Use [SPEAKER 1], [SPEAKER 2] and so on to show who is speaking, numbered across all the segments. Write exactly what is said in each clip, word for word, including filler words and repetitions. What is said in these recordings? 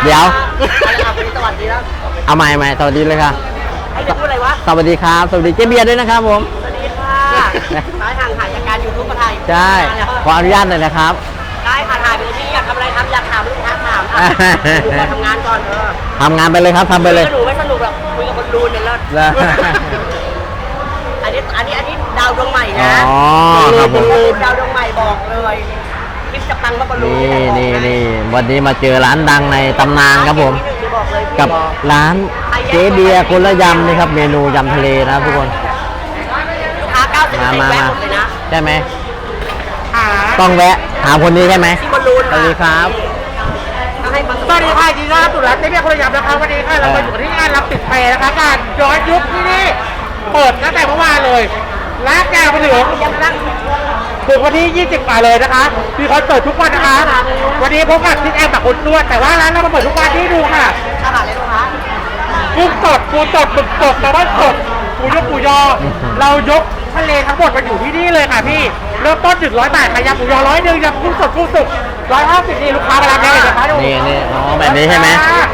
[SPEAKER 1] เดี๋ยว
[SPEAKER 2] สวัสดีแล้ว
[SPEAKER 1] เอาใหม่ใหม่สวัสดีเลยค่ะ
[SPEAKER 2] ไอ้จะพูดอะไรวะ
[SPEAKER 1] สวัสดีครับสวัสดีเจ๊เบียร์ด้วยนะครับผม
[SPEAKER 2] สวัสดีค่ะสายห่างหายจากการยูทูบมาถ่าย
[SPEAKER 1] ใช่ขออนุญาตหน่อยนะครับ
[SPEAKER 2] ได้ค่ะถ่ายไปที่อยากทำอะไรทำอยากถามลูกค้าถามอ่ะดูการทำงานก่อนเออ
[SPEAKER 1] ทำงานไปเลยครับทำไปเลย
[SPEAKER 2] สนุกไม่สนุกหรอกคุยกับคนดูเนี่ยเลิศ
[SPEAKER 1] แล้ว
[SPEAKER 2] อันนี้อันนี้อันนี้ดาวดวงใหม่นะ
[SPEAKER 1] อ๋อครับผม
[SPEAKER 2] ดาวดวงใหม่บอกเลยคลิปจะปังก็บรรลุ
[SPEAKER 1] นี่นี่นี่วันนี้มาเจอร้านดังในตำนานครับผม กับร้านเจ๊เบียร์คนละยำนี่ครับเมนูยำทะเลนะครับทุกคน
[SPEAKER 2] ลูกค้าเก้าสิบ
[SPEAKER 1] มา
[SPEAKER 2] เปอร์เซ็น
[SPEAKER 1] มา
[SPEAKER 2] ต์แวะ
[SPEAKER 1] มา
[SPEAKER 2] หมดเลยนะ
[SPEAKER 1] ใช่ไหม
[SPEAKER 2] หา
[SPEAKER 1] ต้องแวะถามคนนี้ใช่ไหม
[SPEAKER 2] ที่บอลลูน
[SPEAKER 1] สวัสดีครับ
[SPEAKER 2] ต้องให้มัน
[SPEAKER 3] สวัสดีค่ะจีน่าสุรัตน์เจ๊เบียร์คนละยำนะคะวันนี้ค่ะเรามาอยู่ที่งานรับติดแพรนะคะงานย้อนยุคที่นี่เปิดตั้งแต่เมื่อวานเลยลากยาวไปถึง
[SPEAKER 2] ยังนั่ง
[SPEAKER 3] ถึงวันที่ยี่สิบมาเลยนะคะมีคอนเสิร์ตทุกวันนะคะวันนี้พบกับทิศแอมกับคุณนวดแต่ว่าร้านเรามาเปิดทุกวันที่ดูค่ะ
[SPEAKER 2] อาหารเลยลูกค้า
[SPEAKER 3] กุ้งสดปูสดหมึกสดแซลมอนสดปูยกปูยอ เรายกทะเลทั้งหมดมาอยู่ที่นี่เลยค่ะพี่เริ่มต้นจุดร้อยบาทค่ะยำปูยอร้อยหนึ่งยำกุ้งสดกุ้งสุกร้อยห้าสิบนี่ลูกค้ามารับได้เลยนะคะดู
[SPEAKER 1] นี่นี่อ๋อแบบนี้ใช่ไหม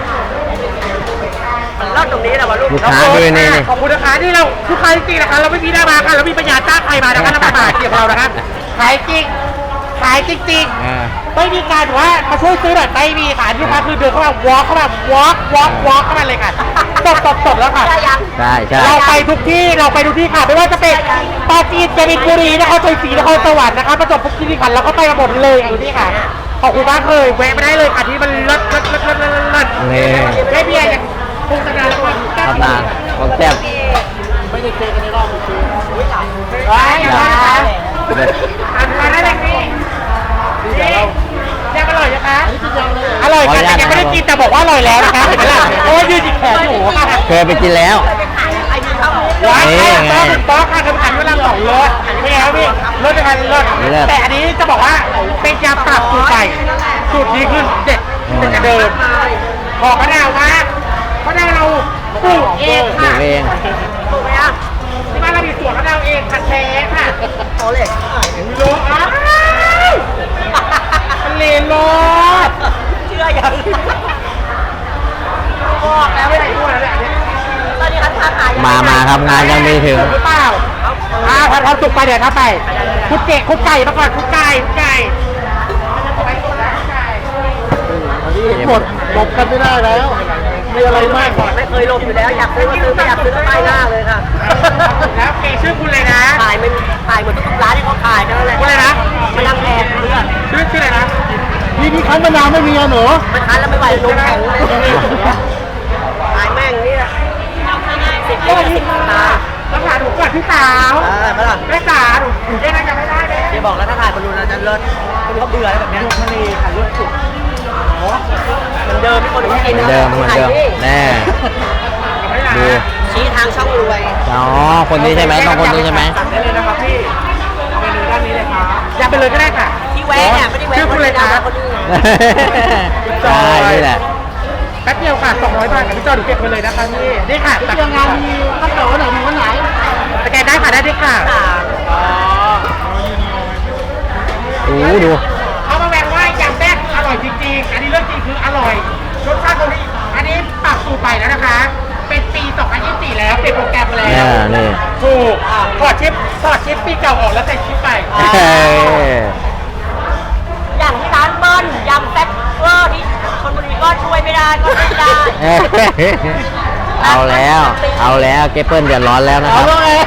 [SPEAKER 2] มันเลิศตรงนี้แหละวะลูก
[SPEAKER 1] ลูกค้าด้วยนี่นี่
[SPEAKER 3] ขอบคุณนะคะที่เราลูกค้าจริงๆนะคะเราไม่มีหน้ามาค่ะเรามีปัญญาจ้างใครมานะคะเรามาหาเกี่ยวกับเรานะคะขายจริงขายจริง
[SPEAKER 1] อ่า
[SPEAKER 3] ๆไม่มีการแบบว่ามาช่วยซื้อแบบไม่มีค่ะลูกค้าคือเดินเข้ามาวอล์กเข้ามาวอล์กวอล์กวอล์กเข้ามาเลยค่ะตบตบตบแล้วค่ะ
[SPEAKER 2] ได้ยัง
[SPEAKER 1] ใช่ใช่
[SPEAKER 3] เราไปทุกที่เราไปทุกที่ค่ะไม่ว่าจะเป็นปราจีนกบินบุรีนครชัยศรีนครสวรรค์นะคะประจวบคีรีขันธ์เราก็ไปมาหมดเลยอยู่นี่ค่ะขอบคุณมากเลยแวะมาได้เลยค่ะที่มันเลิศเลิศเลิศเลิศเลิศเลิศ
[SPEAKER 1] นี่
[SPEAKER 3] ไม่เบียร์ยังคงจะนานแล้ว
[SPEAKER 1] ตำนานของแซ่บ
[SPEAKER 3] ไม่ได้เจอกันในรอบปี
[SPEAKER 2] อุ้ยหลาย
[SPEAKER 3] ว้ายอย่ามานะคะอันมาได้เลยพี่นี่ยังอร่อยนะคะอร่อยค่ะแต่ยังไม่ได้กินแต่บอกว่าอร่อยแล้วนะคะเห็นไหมล่ะโอ้ยยืนอีกแขนอยู่ค่ะ
[SPEAKER 1] เคยไปกินแล้ว
[SPEAKER 2] ไปขายไอ้ที่เขา
[SPEAKER 3] ว้ายค่ะต๊อกต๊อกค่ะคืออันเวลาสองรสไม่แล้วพี่รสจะกันรสแต่อันนี้จะบอกว่าเป็นยำปรับสูตรใหม่สูตรนี้คือเด็ดเป็นกระเดิมขอมะนาวมากมะนาวเราปลูกเอง
[SPEAKER 1] ปลู
[SPEAKER 3] ค่ะ
[SPEAKER 1] กเอง
[SPEAKER 2] ถูกไหมอ่ะ
[SPEAKER 3] ที่บ้านเรามีสวนมะนาวเองคันแท้ค่ะ
[SPEAKER 2] โอเล็
[SPEAKER 3] โลอ้าวทะเลโลด
[SPEAKER 2] เชื่อยังบอกแล้วไม่ได้
[SPEAKER 3] พูดอะไรเนี่ย
[SPEAKER 2] ตอนนี้คันค้าขาย
[SPEAKER 1] มามาครับงานยังไม่ถึง
[SPEAKER 3] หรือเปล่าอ่าพอทำสุกไปเดี๋ยวถ้าไปคุดเกะคุดไก่มาก่อนคุดไก่คุดไก่ไปคุดแล้วคุดไก่
[SPEAKER 1] หมด
[SPEAKER 3] หลบกันไม่ได้แล้วมีอะไรมากก่อน
[SPEAKER 2] ไม่เคยลงอยู่แล้วอยากซื้อก็ซื้อไม่อยากซื้อก็ไปหน้าเลยค่ะ
[SPEAKER 3] แล้วเพจชื่อคุณเลยนะ
[SPEAKER 2] ขายมันขายหมดทุกร้านที่เขาขายนั่นแหละ
[SPEAKER 3] คุณอะไรนะ
[SPEAKER 2] มันยังแพงเพื่อน
[SPEAKER 3] ชื่อชื่ออะไรนะ
[SPEAKER 1] นี่พี่คั้นมะนาวไม่มีอ่ะหนู
[SPEAKER 2] มันคันแล้วไม่ไหวลงแข็งเลยขายแม่งนี่สิบยี่สิบตา
[SPEAKER 3] ต้องหาหนูก่อนพี่สาว
[SPEAKER 2] เออมาล่ะ
[SPEAKER 3] แม่สาหนูหนูเจ๊น่าจะไม่ได้เลย
[SPEAKER 2] เดี๋ยวบอกแล้วถ้าขายบอลลูนเราจะเลิศคุณเขาเบื่ออะไรแบบเนี้ย
[SPEAKER 3] ทะเลค่ะรถสุด
[SPEAKER 2] เหมือนเดิมที่คนอื่น
[SPEAKER 1] เห
[SPEAKER 2] กิน
[SPEAKER 1] มือนเดิมเหมือนเดิมแน่ดู
[SPEAKER 2] ชี้ทางช่องรวย
[SPEAKER 1] อ๋อคนนี้ใช่ไหมต้องคนนี้ใช่ไหม
[SPEAKER 3] สั่งได้เลยนะครับพี่เมนูด้านนี้เลยครับอยากไปเลยก็ได้ค่ะ
[SPEAKER 2] ที่แวะเนี่ยไม่ได้แวะ
[SPEAKER 3] ชื่อคุณเลยนะ
[SPEAKER 2] คนอื่น
[SPEAKER 1] ใช่นี่แหละ
[SPEAKER 3] แป๊บเดียวค่ะสองร้อยบาทกับพี่จอดูเก็บไปเลยนะคะพี่นี่ค่ะตักงานมีข้าวเต๋อไหนมีวันไหนสแกนได้ค่ะได้ด้วยค่ะ
[SPEAKER 1] ดูดู
[SPEAKER 3] เอามาแบ่งว่ายำแรกอร่อยจริงๆอันนี้เรื่องจริงคืออร่อยรสชาติตรงนี้อันนี้ปรับสูตรใหม่แล้วนะคะ เป็นปีสองพันยี่สิบสี่แล้วเป็นโปรแกรมแล้
[SPEAKER 1] เนี่ยว นี่
[SPEAKER 3] ถูกถอดชิปถอดชิปปีเก่าออกแล้วใส่ชิปใหม่
[SPEAKER 1] เฮ้ย
[SPEAKER 2] อย่างที่ร้านเบิ้ลยำแซ่บเวอร์ที่ชลบุรีก็ช่วยไม่ได้ก็ไม่ได้
[SPEAKER 1] เอาแล้ว เอาแล้วเกเปิลเดือดร้อนแล้วนะครับ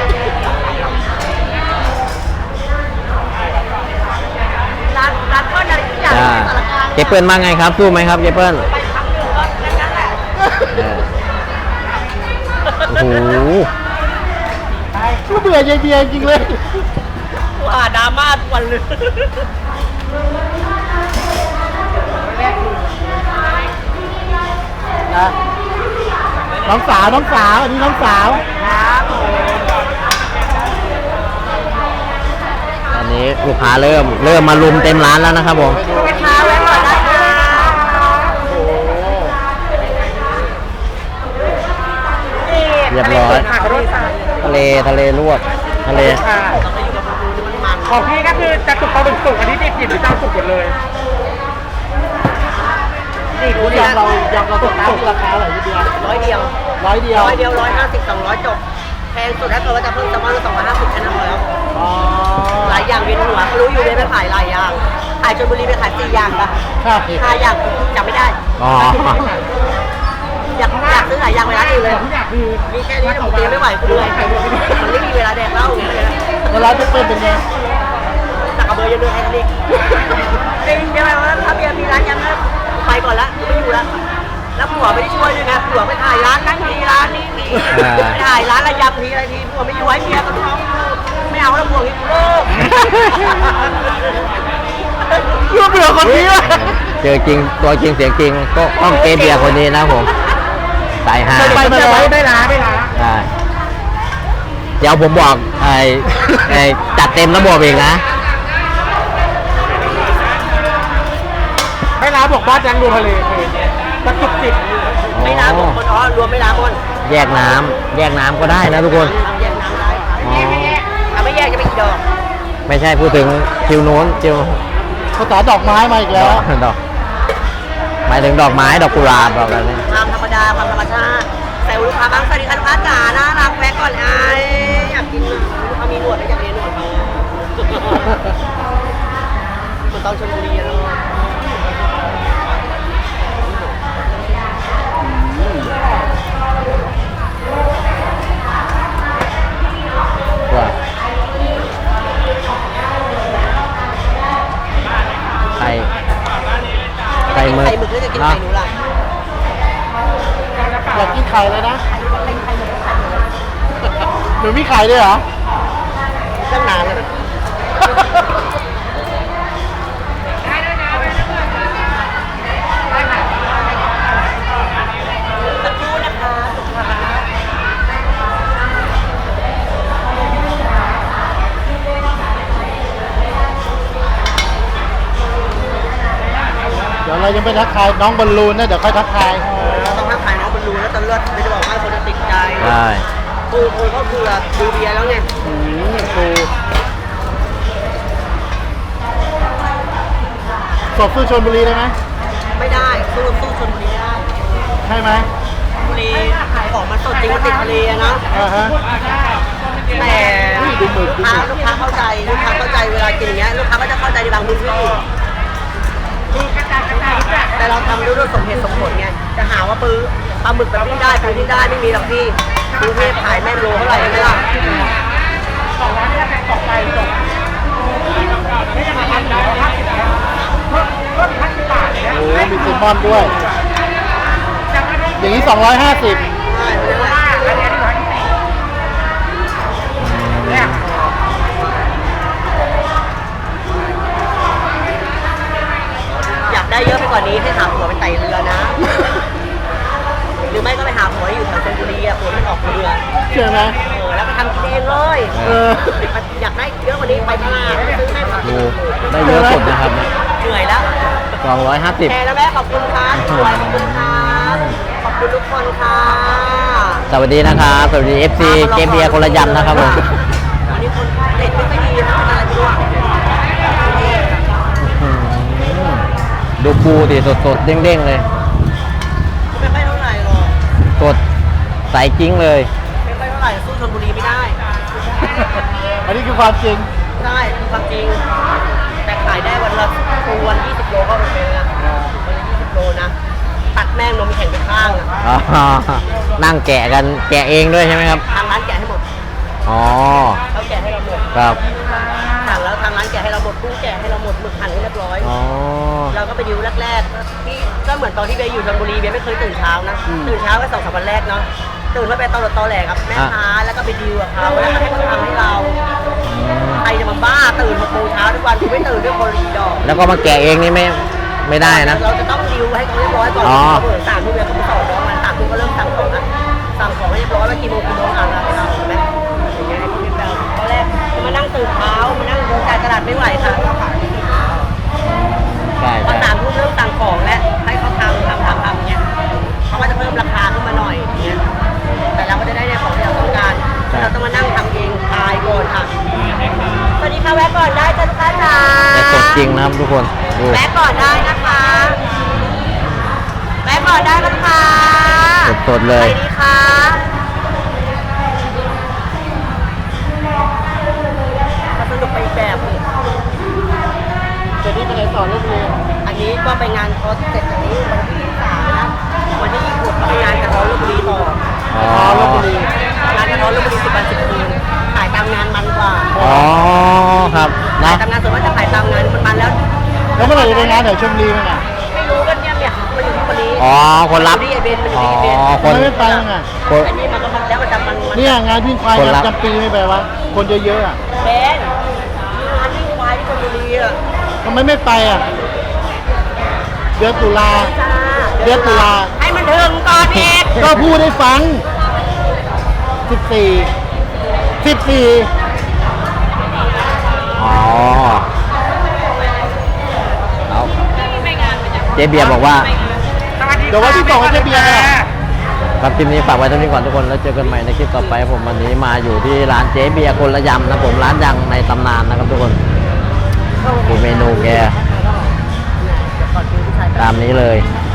[SPEAKER 2] ร้านร้านเบิ้ลอะไรทุกอย่าง
[SPEAKER 1] จ้า
[SPEAKER 2] ในสารกลาง
[SPEAKER 1] เกเปิลมาไงครับสู้ไหมครับเกเปิล
[SPEAKER 2] ไปครั้งหนึ่งก็แค่นั้นแหละ
[SPEAKER 1] เออโอ้โห
[SPEAKER 3] ก็เบื่อยายเบียร์จริงเลย
[SPEAKER 2] ว่าดราม่าทุกวันเลย
[SPEAKER 3] น้องสาวน้องสาวอันนี้น้องสาว
[SPEAKER 1] ตอนนี้ลูกค้าเริ่มเริ่มมาลุมเต็มร้านแล้วนะครับผม
[SPEAKER 2] ไปทาแวะก่อนได้ค่ะ
[SPEAKER 1] เรียบร้อย
[SPEAKER 3] ค่ะขอโทษค่ะ
[SPEAKER 1] ทะเลทะเลลวกทะเล
[SPEAKER 3] ค่ะของพี่ก็คือจะสุกปลาบึกสุกอันนี้ดิบๆหรือจะเอาสุกหมดเลย
[SPEAKER 2] ด
[SPEAKER 3] ติคุณยำเรายำเราตกน้ำราคาอะไรพี่เบียร์
[SPEAKER 2] ร้อยเดียว
[SPEAKER 3] ร้อยเดียว
[SPEAKER 2] ร้อยเดียวร้อยห้าสิบสองร้อยจบแพงสุดถ้าเกิดว่าจะเพิ่มแซลมอนก็สองร้อยห้าสิบแค่นั้นพอแล้ว
[SPEAKER 3] อ๋อ
[SPEAKER 2] หลายอย่างเวียนหัวเขารู้อยู่เลยไปขายหลายอย่างขายชลบุรีไปขายสี่อย่างปะ
[SPEAKER 3] ใช่
[SPEAKER 2] ห้าอย่างจำไม่ได้
[SPEAKER 1] อ๋อ
[SPEAKER 2] อยากอยากซื้อหลายอย่างไปร้านอื่นเลย
[SPEAKER 3] ทุกอย่างคือ
[SPEAKER 2] มีแค่นี้ผมเตรียมไม่ไหวคุณเลยมันไม่มีเวลาแดกเหล้าอย่างเงี้ย
[SPEAKER 3] แล้วร้านจะเปิดเป็นไง
[SPEAKER 2] ตักกระเบยยังเดินแค่นี้จริงเดี๋ยวว่าถ้าเบียร์มีร้านยำนะไปก่อนละไม่อยู่ละแล้วผัวไม่ได้ช่วยด้วยนะผัวไปถ่ายร้านนั้นทีร้านนี้ทีไปถ่ายร้านระยำทีอะไรทีผัวไม่อยู่ให้เมียกับน้องไม่เอาแล้วผัวกินเลิก
[SPEAKER 3] เรื่องเหลือคนนี้วะ
[SPEAKER 1] เจอจริงตัวจริงเสียงจริงก็ต้องเกเบียร์คนนี้นะผมสายฮา
[SPEAKER 3] ไปมาแล้วไม่ล้าไม่ล้า
[SPEAKER 1] ได้เดี๋ยวผมบอกไอ้ไอ้จัดเต็มระบบเองนะ
[SPEAKER 3] ไม่ล้าบอกบ้านยังดูทะเลกระจุกจิต
[SPEAKER 2] ไม่น้ำหมดคนอ๋อรวมไม่น้ำหมด
[SPEAKER 1] แยกน้ำแยกน้ำก็ได้นะทุกคน
[SPEAKER 2] แยกน้ำได้
[SPEAKER 1] อ๋อ
[SPEAKER 2] ถ้าไม่แยกจะไปกี่ดอก
[SPEAKER 1] ไม่ใช่พูดถึงคิวโน้นคิว
[SPEAKER 3] ภาษาดอกไม้มาอีก
[SPEAKER 1] ด
[SPEAKER 3] แล้
[SPEAKER 1] อ
[SPEAKER 3] ว
[SPEAKER 1] กดอกหมายถึงดอกไม้ดอกกุหลาบดอกอะไรนี่
[SPEAKER 2] ความธรรมดาความธรรมชาติแต่ลูกค้าบางสวัสดีค่ะลูกค้าจ๋าน่ารักแวะก่อนไอ้อยากกินลูกค้ามีหนวดแล้วอยากเรียนหนวดเขาคนต้องชลบุรีอะเนาะ
[SPEAKER 1] ว่าไข่ไข่หมึก
[SPEAKER 2] ไข่หมึกแล้วจะกินไข่หนูล่ะ
[SPEAKER 3] อยากกินไข่เลยนะหนูมีไข่ด้วยเหรอ
[SPEAKER 2] ตั้งนานเลยสักครู่นะคะลูกค้า
[SPEAKER 3] เดี๋ยวเรายังไปทักทายน้องบอลลูนนะเดี๋ยวค่อยทักทาย
[SPEAKER 2] เราต้องทักทายน้องบอลลูนแล้วจะเลือดไม่จะบอกว่าคนจะติดใจ
[SPEAKER 1] ใช่
[SPEAKER 2] ปูปูก็คือดูเบียร์แล้วไง
[SPEAKER 3] อืมคือสดสู้ชลบุรีได้ไหม
[SPEAKER 2] ไม่ได้สู้สู้ชลบุรีไม่ได้
[SPEAKER 3] ใช่ไหม
[SPEAKER 2] บุรีของมันสดจริงมันติดทะเลอะนะ
[SPEAKER 3] อ่าฮะ
[SPEAKER 2] แต่ลูกค้าลูกค้าเข้าใจลูกค้าเข้าใจเวลากินอย่างเงี้ยลูกค้าก็จะเข้าใจในบางพื้นที่แต่เราทำด้วยสมเหตุสมผลไงจะหาว่าปื้อปลาหมึกแบบนี้ได้ปื้อที่ได้ไม่มีหรอกพี่กรุงเทพขายแม่งโลเท่าไหร่ไม่ล่ะ
[SPEAKER 3] สองร้อยนี่เป็นตกไปจบไม่ยังไงครับเพิ่มเพิ่มพันบาทเนี่ยโอ้มีซิมมอนด้วย อย่างนี้สองร้อยห้าสิบ
[SPEAKER 2] ใช่เพราะฉะนั้นอันนี้ที่ร้อยที่สี่เนี่ยอยากได้เยอะไปกว่านี้ให้หาผัวเป็นไตเรือนะ หรือไม่ก็ไปหาผัวอยู่แถวชลบุรีอะผัวมันออกเรือ
[SPEAKER 3] เชื่อไหม
[SPEAKER 2] เออแล้วไปทำกินเองเลย
[SPEAKER 3] เออ
[SPEAKER 2] อยากได้เยอะกว่านี้ไปตลาดซื้อให้ผัก
[SPEAKER 1] ดูได้เยอะสุดนะครับ
[SPEAKER 2] เหนื่อยแล้ว
[SPEAKER 1] สองร้อยห้าสิบ
[SPEAKER 2] แชร์แล้วแม่ขอบคุณค่ะสวยขอบคุณค่ะขอบคุณทุกคนค่ะ
[SPEAKER 1] สวัสดีนะครับสวัสดี เอฟ ซี เกมเบียร์คนละยำนะครับผม
[SPEAKER 2] วันนี้คนเด็ดไม่ค่อยดีนะเป็นอะไรไม่รู้อะ
[SPEAKER 1] อืมดูปูดิสดๆ เด้งๆ เลย
[SPEAKER 2] ไม่ค่อยเท่าไหร่หรอก
[SPEAKER 1] สดใสกิ้งเลย
[SPEAKER 2] ไม่ค่อยเท่าไหร่สู้ชลบุรีไม่ได้
[SPEAKER 3] อันนี้คือความจริง
[SPEAKER 2] ใช่คือความจริง แต่ขายได้วันละปูวันยี่สิบโลก็โอเคนะวันละยี่สิบโลนะตัดแม่งนมแข็งไปข้างอะ
[SPEAKER 1] อ๋อนั่งแกะกันแกะเองด้วยใช่ไหมครับ
[SPEAKER 2] ทางร้านแกะให้หมด
[SPEAKER 1] อ๋อ
[SPEAKER 2] เขาแกะให้เราหมด
[SPEAKER 1] ครับ
[SPEAKER 2] สั่งแล้วทางร้านแกะให้เราหมดกุ้งแกะให้เราหมดหมึกหั่นให้เรียบร้อย
[SPEAKER 1] อ๋อ
[SPEAKER 2] เราก็ไปดิวแรกๆที่ก็เหมือนตอนที่เบย์อยู่ชลบุรีเบย์ไม่เคยตื่นเช้านะ ตื่นเช้าแค่สองสามวันแรกเนาะ ตื่นมาเป็นตอหลดตอแหลกับแม่ค้าแล้วก็ไปดิวกับเขาแล้วก็ให้เขาทำให้เรา ใครจะมาบ้าตื่นหกโมงเช้าทุกวันกูไม่ตื่นด้วยคนรีดอก
[SPEAKER 1] แล้วก็มาแกะเองนี่ไม่ไม่ได้นะ
[SPEAKER 2] เราจะต้องดิวให้เขาเรียบร้อยก่อน
[SPEAKER 1] อ๋อ
[SPEAKER 2] เขาเปิดสามทุ่มแล้วเขาไปต่อน้องมันสามทุ่มก็เริ่มสั่งของนะสั่งของให้เรียบร้อยว่ากี่โมงกี่โมงอ่านอะไรเราใช่ไหมอย่างเงี้ยให้เขาเรียบร้อยตอนแรกมานั่งตื่นเช้ามานั่งเดินจ่ายตลาดไม่ไหวค่ะ
[SPEAKER 1] ใช่
[SPEAKER 2] พอ
[SPEAKER 1] ใช่
[SPEAKER 2] สามทุ่มเริ่มสั่งของแล้วให้เขาทำทำทำทำอย่างเงี้ยเขาก็จะเพิ่มราคาขึ้นมาหน่อยอย่างเงี้ยแต่เราก็จะได้ในของที่เราต้องการเราต้องมานั่งทำเองทายก่อนค่ะสวัสดีค่ะแวะก่อนได้จ้ะลูกค้าจ๋า
[SPEAKER 1] แต่สดจริงนะครับทุกคนดู
[SPEAKER 2] แวะก่อนได้นะคะก่อนได้กันค่ะ
[SPEAKER 1] สดๆเลย
[SPEAKER 2] ไปดีค่ะสนุกไปอีกแบบเลย
[SPEAKER 3] จะนี่ไปไหนต่อลูกเลย
[SPEAKER 2] อันนี้ก็ไปงานคอร์สเสร็จจากนี้วันที่ยี่สิบสามนะวันที่ยี่สิบหกก็ไปงานกระท้อนลพบุรีต่อ
[SPEAKER 1] อ๋อ
[SPEAKER 3] ลพบุรี
[SPEAKER 2] งานกระท้อนลพบุรีสิบวันสิบคืนขายตามงานมันกว่า
[SPEAKER 1] อ๋อครับ
[SPEAKER 2] ขาย
[SPEAKER 1] นะ
[SPEAKER 2] ตามงานส่วนมากจะขายตามงานมันมันแล้ว
[SPEAKER 3] แล้วเมื่อไหร่จะไปงานแถวชลบุรีมั้งอ่ะ
[SPEAKER 2] ไม่รู้กันเนี่ยเนี่ยมันอยู่ที่คนนี้
[SPEAKER 1] อ๋อคนรับ
[SPEAKER 2] มันอยู่ที่ไอเบนมันอ
[SPEAKER 1] อ๋
[SPEAKER 2] ยู่
[SPEAKER 1] อ
[SPEAKER 2] ที่ไอเบน
[SPEAKER 1] ค
[SPEAKER 3] ทำ
[SPEAKER 1] น
[SPEAKER 3] ไมไม่ไปมั้งอ่ะ
[SPEAKER 1] คน
[SPEAKER 2] อันนี้มันก็มันแล้วมันจะมันมัน
[SPEAKER 3] เนี่ยงานวิ่งควาย
[SPEAKER 1] คนรับ
[SPEAKER 3] จำปีไม่ไปวะคนเยอะๆอ่ะ
[SPEAKER 2] เบนงานที่ควายที่ชลบุรีอ่ะ
[SPEAKER 3] ทำไมไม่ไปอ่ะเดือนตุลา
[SPEAKER 2] จ้า
[SPEAKER 3] เดือนตุลา
[SPEAKER 2] ให้มันถึงก่อนเอก
[SPEAKER 3] ก็พูดให้ฟังสิบสี่สิบสี่
[SPEAKER 1] อ๋อเอาเจ๊เบียร์บอกว่า
[SPEAKER 3] เดี๋ยววันที่สองจะเบียร์อ่ะ
[SPEAKER 1] ครับคลิปนี้ฝากไว้เท่านี้ก่อนทุกคนแล้วเจอกันใหม่ในคลิปต่อไปผมวันนี้มาอยู่ที่ร้านเจ๊เบียร์คนละยำนะผมร้านดังในตำนานนะครับทุกคนดูเมนูแกตามนี้เลย